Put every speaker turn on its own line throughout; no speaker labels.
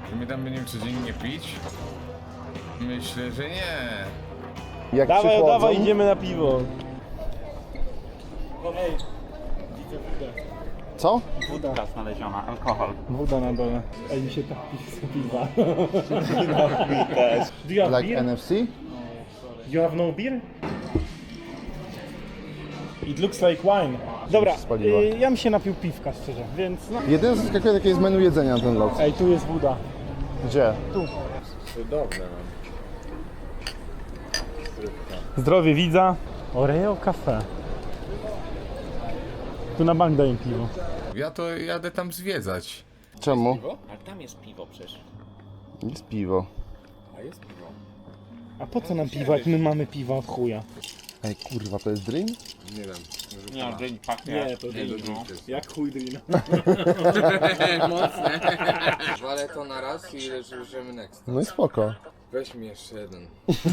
Czy my tam będziemy codziennie pić? Myślę, że nie.
Jak
Dawaj,
przychodzą,
dawaj, idziemy na piwo.
Co?
Woda.
Znaleziona, alkohol.
Woda na dole. Ej, mi się tak piwa. No, mi też. Do you have
Like
beer?
NFC?
You have no beer? It looks like wine. Dobra,
spaliła.
ja bym się napił piwka szczerze, więc no.
Jedyne co zaskakuje, jakie jest menu jedzenia na ten lot.
Ej, tu jest woda.
Gdzie?
Cudowne mam.
Zdrowie widza. Oreo Cafe. Tu na bank daję piwo.
Ja to jadę tam zwiedzać.
Czemu?
Ale tam jest piwo przecież.
Jest piwo.
A po co nam piwo, jak my mamy piwa od chuja?
Ej, kurwa, to jest drink?
Nie wiem.
Nie, dzień pachnie.
to
no.
Jak chuj drina.
Mocne. Walę to na raz i leżymy next.
No i spoko.
Weź mi jeszcze jeden.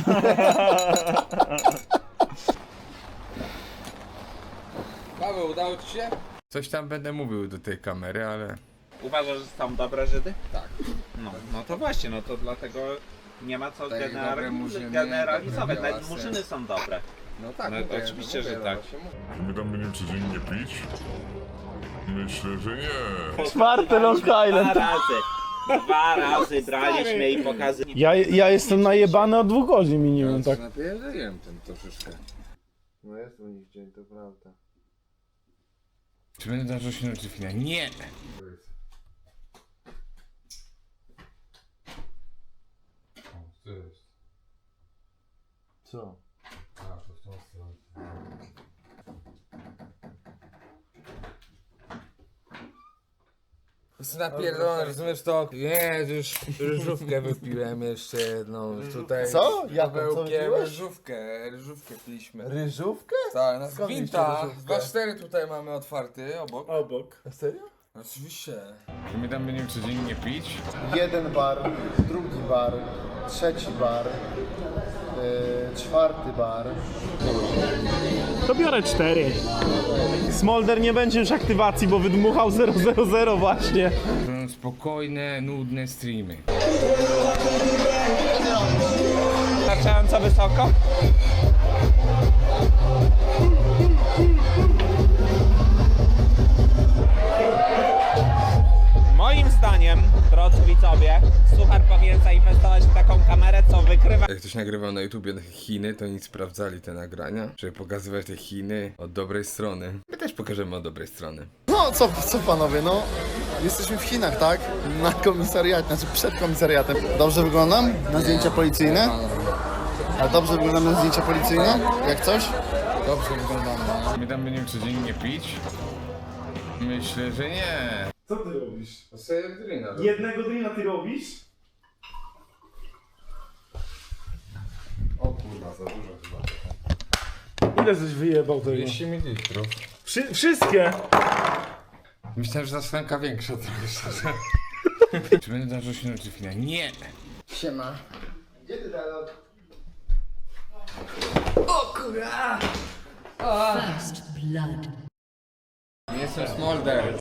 Paweł, udało ci się? Coś tam będę mówił do tej kamery, ale...
Uważasz, że są dobre Żydy?
Tak.
No to właśnie, no to dlatego nie ma co
Tak, dobre murzyny,
generalizować.
dobre
Nawet
białasy.
murzyny są dobre.
No tak,
No,
mówię,
oczywiście,
mówię,
że
no
tak.
właśnie mówię.
Czy my tam będziemy codziennie pić? Myślę, że nie.
Czwarty Long Island.
Dwa razy braliśmy i pokazywaliśmy.
Ja jestem najebany od 2 godzin minimum, tak.
Napierdzieliłem ten troszeczkę.
No jest u nich dzień, to prawda.
Czy będę darzył się na Jeffina? Nie! Co jest?
Co?
A, to w tą stronę. Jest napierdolone, rozumiesz to? Nie, już ryżówkę wypiłem jeszcze jedną tutaj.
Co? Jaką? Co
Pawełkiem,
wypiłeś?
ryżówkę piliśmy.
Ryżówkę?
Tak, na
Skąd
Gwinta.
mieliście ryżówkę?
2-4 tutaj mamy otwarty obok.
Obok.
Serio?
Oczywiście. Czy my tam będziemy codziennie pić?
Jeden bar, drugi bar, trzeci bar, czwarty bar.
To biorę 4. Smolder nie będzie już aktywacji, bo wydmuchał 000 właśnie.
Są spokojne, nudne streamy.
Wystarczająco wysoko? Moim zdaniem, drodzy widzowie, Suchar powinien zainwestować w taką kamerę, co wykrywa...
Jak ktoś nagrywał na YouTubie Chiny, to oni sprawdzali te nagrania, żeby pokazywać te Chiny od dobrej strony. My też pokażemy od dobrej strony.
No co panowie, no jesteśmy w Chinach, tak? Na komisariacie, znaczy przed komisariatem. Dobrze wyglądam na zdjęcia policyjne? A dobrze wyglądam na zdjęcia policyjne? Jak coś? Dobrze wyglądam.
My tam będziemy codziennie pić? Myślę, że nie.
Co ty robisz?
Seryjna.
Jednego drina ty robisz?
O kurwa, za dużo chyba.
Ile żeś wyjebał tego?
200 ml.
Wszystkie!
Myślałem, że ta szklanka większa trochę szczerze. Czy będę darzył się na Jeffina? Nie!
Siema. Gdzie ty teraz?
First blood.
Nie jestem Smolder.